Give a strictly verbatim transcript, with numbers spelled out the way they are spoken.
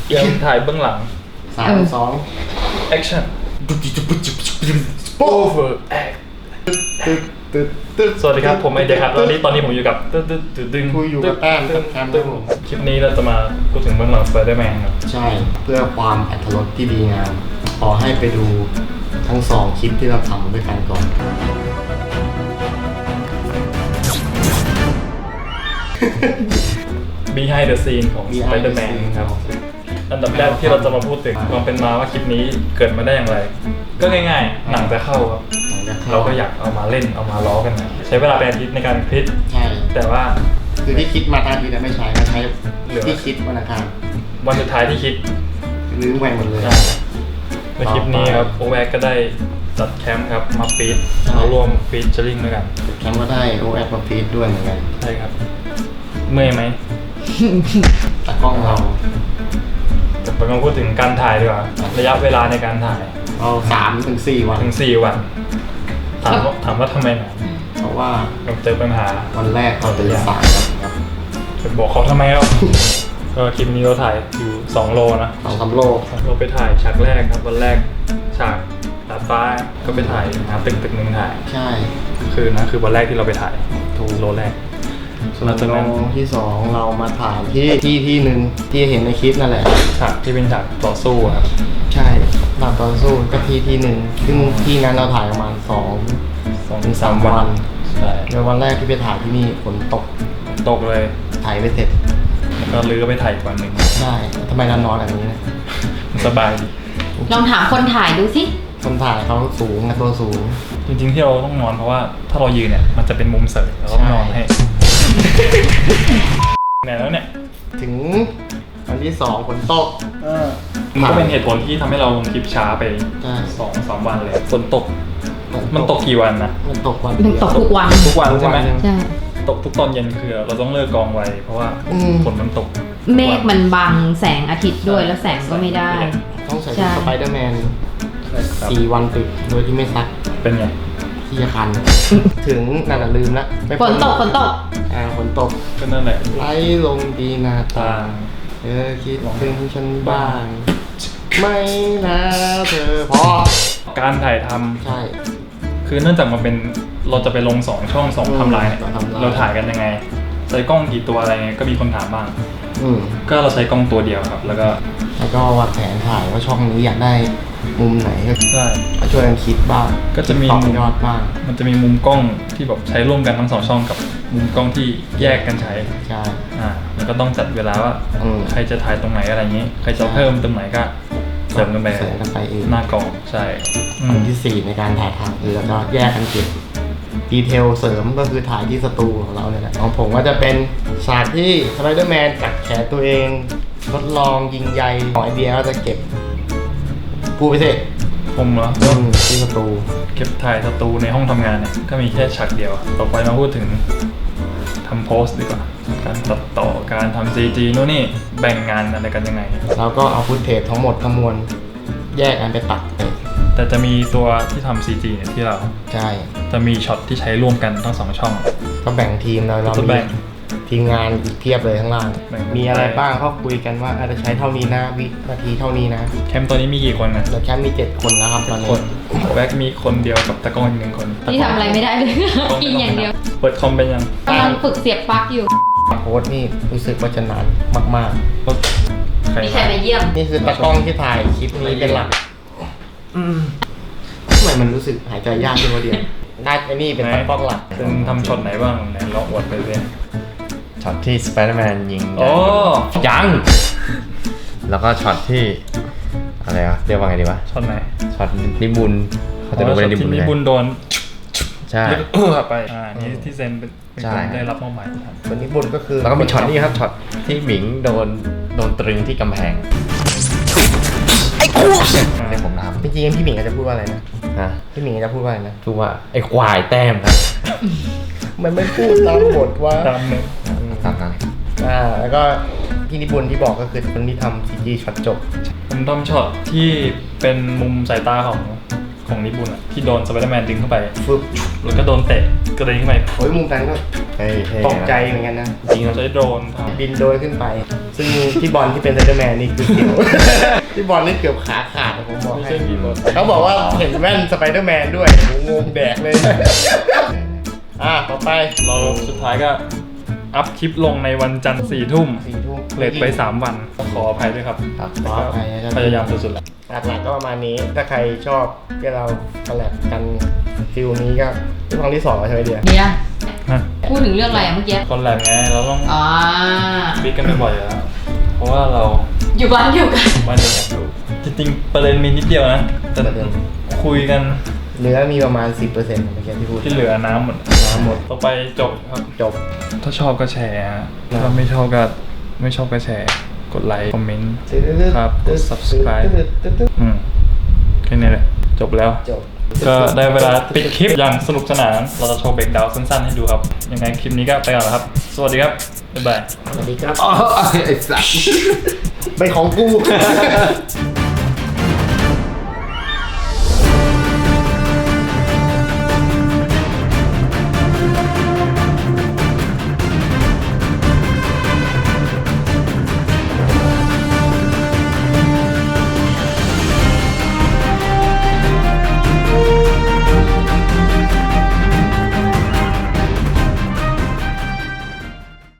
เดี๋ยวถ่ายเบื้องหลังสามสอง action โอ้โห act ตึ๊ดตึ๊ดตึ๊ดสวัสดีครับผมไอเดียครับแล้วนี่ตอนนี้ผมอยู่กับตึ๊ดตึ๊ดตึ๊ดดึงคุยอยู่กับแต้มกับแคมป์ครับผมคลิปนี้เราจะมาพูดถึงเบื้องหลัง Spider-Man ครับใช่เพื่อความอรรถรสที่ดีงามขอให้ไปดูทั้งสองคลิปที่เราทำด้วยกันก่อน behind the scene ของ Spider-Man ครับอันดับแรกที่เราจะมาพูดถึงความเป็นมาว่าคลิปนี้เกิดมาได้อย่างไร ก็ง่ายๆหนังจะเข้าครับเราก็อยากเอามาเล่นเอามาล้อกันนะใช้เวลาเป็นอาทิตย์ในการคิดใช่แต่ว่าคือที่คิดมาทางทีแต่ไม่ใช้ก็ใช้เหลือที่คิดวันอังคารวันสุดท้ายที่คิดลืมไปหมดเลยในคลิปนี้ครับโอแวกก็ได้จัดแคมป์ครับมาฟีดมาร่วมฟีดเจอริงด้วยกันแคมป์ก็ได้โอแอปมาฟีดด้วยเหมือนกันใช่ครับเมื่อยไหมตากล้องเราจะไปมาพูดถึงการถ่ายดีกว่าระยะเวลาในการถ่ายเราสามถึงสี่วันถึงสี่วันถามว่าถามว่าทำไมนะเพราะว่าเราเจอปัญหาวันแรกเราตื่นสายครับจะบอกเขาทำไมอ่ะ ก็คลิปนี้เราถ่ายอยู่สองโลนะสองสามโลเราไปถ่ายฉากแรกครับวันแรกฉากดาดฟ้าก็ไปถ่ายหาตึกตึกหนึ่งถ่ายใช่คือนะคือวันแรกที่เราไปถ่ายถูกโลแรกส่วนโลที่สองเรามาถ่ายที่ที่ที่หนึ่งที่เห็นในคลิปนั่นแหละฉากที่เป็นฉากต่อสู้ครับใช่หลังตอนสู้ก็ที่ที่หนึ่งซึ่งที่นั้นเราถ่ายประมาณสองสองถึถึงงสาสาม มวัวัน นใช่ในวันแรกที่ไปถ่ายที่นี่ฝนตกตกเลยถ่ายไม่เสร็จแล้วก็ลื้อไปถ่ายอีกวันหนึ่งใช่ทำไมเรานอนแบบนี้นะสบายดีลองถามคนถ่ายดูสิคนถ่ายเขาสูงนะตัวสูงจริงๆที่เราต้องนอนเพราะว่าถ้าเรายืนเนี่ยมันจะเป็นมุมเสยเราต้องนอนให้ เนี่ยแล้วเนี่ยถึงวันที่สองฝนตกมันก็เป็นเหตุผลที่ทำให้เราลงคลิปช้าไปใช่สองสามวันเลยฝนตกมันตกกี่วันนะมันตกวันมันเดียวตกทุกวันทุกวันใช่ไหมใช่ตกทุกตอนเย็นคือเราต้องเลิกกองไวเพราะว่าอืมฝนมันตกเมฆมันบังแสงอาทิตย์ด้วยแล้วแสงก็ไม่ได้ต้องใส่ใช่สไปเดอร์แมนใช่ครับสี่วันติดโดยที่ไม่ซักเป็นไงที่จะคัน ถึงนั่นน่ะลืมละไม่ฝนตกฝนตกอ่าฝนตกก็นั่นแหละไหลลงดีหนาตาตาเธอคิดถึงฉันบ้าง ไม่นะเธอพอการถ่ายทำใช่คือเนื่องจากมันเป็นเราจะไปลงสองช่องสองอืมไทำลายเนี่ยสองไทม์ไลน์เราถ่ายกันยังไงใช้กล้องกี่ตัวอะไรเงี้ยก็มีคนถามบ้างอืมก็เราใช้กล้องตัวเดียวครับ แล้วก็แล้วก็วางแผนถ่ายว่าช่องนี้อยากได้มุมไหนก็ใช่ช่วยกันคิดบ้างก็จะมีต่อยอดบ้างมันจะมีมุมกล้องที่แบบใช้ร่วมกันทั้งสองช่องกับมุมกล้องที่แยกกันใช้ใช่อ่าแล้วก็ต้องจัดเวลาว่าอืมใครจะถ่ายตรงไหนอะไรอย่างนี้ ใครจะเพิ่มตรงไหนก็เสริมกันไปเสริมกันไปเองหน้ากล้องใช่อืมอันที่สี่ในการถ่ายทำคือแล้วก็แยกกันเก็บดีเทลเสริมก็คือถ่ายที่สตูของเราเนี่ยแหละของผมก็จะเป็นฉากที่สไปเดอร์แมนกัดแขนตัวเองทดลองยิงใยของไอเดียก็จะเก็บพูดไปสิผมเหรออืมที่สตูเก็บถ่ายสตูในห้องทำงานเนี่ยก็มีแค่ฉากเดียว ต่อไปมาพูดถึงทำโพสต์ดีกว่า การตัดต่อการทำซีจีนู่นนี่แบ่งงานอะไรกันยังไงแล้วก็เอาฟุตเทจทั้งหมดทั้งมวลแยกกันไปตัดแต่จะมีตัวที่ทำซีจีเนี่ยที่เราใช่จะมีช็อตที่ใช้ร่วมกันทั้งสองช่องก็แบ่งทีมเราเราจะมีแบ่งทีมงานอีกเพียบเลยข้างล่างแบ่งมีอะไรบ้างก็คุยกันว่าอาจจะใช้เท่านี้นะวินาทีเท่านี้นะแคมป์ตัวนี้มีกี่คนนะเราแค่มีเจ็ดคนแล้วครับตอนคนี้นแบ็กมีคนเดียวกับตะกล้องอีกหนึ่งคนนี่ทำอะไรไม่ได้เลย กินอย่างเดียวเปิดคอมเป็นยังกำลังฝึกเสียบปลั๊กอยู่โพสต์นี่รู้สึกว่าจะนานมากรถใครมีใครมาเยี่ยมๆ นี่คือตากล้องที่ถ่ายคลิปนี้เป็นหลักอืมทำไมมันรู้สึกหายใจยากขึ้นวะเดียวได้ไอ้นี่เป็นตากล้องหลักเป็นทำช็อตไหนบ้างไหนลองอวดไปเลยช็อตที่สไปเดอร์แมนยิงโอ้ยัง แล้วก็ช็อตที่อะไรวะเรียกว่าไงดีวะช็อตไหนช็อตนิบุญเขาจะดูช็เป็อน ตนิบุที่ญมีไงบุญโดนใช่แล้วก็เออไปอ่านี่ที่เซนเป็นเป็นใช่คนได้รับมอบหมายทำส่วนนี้บุญก็คือแล้วก็มีช็อตนี้ครับช็อตที่หมิงโดนโดนตรึงที่กำแพงไอ้กูที่ผมทจริงๆพี่หมิงอาจจะพูดว่าอะไรนะำนะพี่หมิงอาจจะพูดว่าอะไรนะคือว่าไอ้ควายแต้มครับมันไม่พูดตามบทว่าตามหนึ่งตามนั้นอ่าแล้วก็พี่นิบุญที่บอกก็คือคนที่ทำซีจีช็อตจบผมทำช็อตที่เป็นมุมสายตาของของนิบุญอะที่โดนสไปเดอร์แมนดึงเข้าไปฟึบแล้วก็โดนเตะกระเด็นขึ้นไปโอ้ยมุมนั้นก็เฮ้ยเท่ตกใจเหมือนกันนะจริงเราใช้โดรนทำบินโดรนขึ้นไป ซึ่งพี่บอลที่เป็นไซเดอร์แมนนี่คือเกี่ยว พี่บอลนี่เกือบขาขาดนะผมบอกไม่ให้ใช่บินรถเขาบอกว่าเห็นแว่นสไปเดอร์แมนด้วยโอ้โหงงแดกเลย อ่ะต่อไปเราสุดท้ายก็อัพคลิปลงในวันจันทร์สี่ทุ่มสี่ทุ่มเลทไปสามวันขออภัยด้วยครับครับขออภัยนะครับพยายามสุดๆแหละหลักๆก็ประมาณนี้ ถ้าใครชอบที่เราคอลแลบกันฟิลนี้ก็เป็นครั้งที่สองแล้วใช่ไหมเดียเดี๋ยวฮะพูดถึงเรื่องอะไรอะเมื่อกี้คนแหลกไงเราต้องอ่าบิ๊กกันบ่อยๆอยู่แล้วเพราะว่าเราอยู่บ้านเดียวกันบ้านเดียวกันอยู่จริงๆประเด็นมีนิดเดียวนะแต่คุยกันเนื้อมีประมาณ สิบเปอร์เซ็นต์เมื่อกี้ที่พูดที่เหลือน้ำหมดน้ำหมดต่อไปจบครับจบถ้าชอบก็แชร์ฮะถ้าไม่ชอบก็ไม่ชอบก็แชร์ กดไลค์คอมเมนต์ ครับกด subscribe อืมแค่นี้แหละจบแล้วจบก็ได้เวลาปิดคลิปอย่างสนุกสนาน เราจะโชว์เบรกดาวน์สั้นๆให้ดูครับ ยังไงคลิปนี้ก็ไปก่อนแล้วครับ สวัสดีครับ บ๊ายบายสวัสดีครับอ๋อไอ้สัสเป็นของกู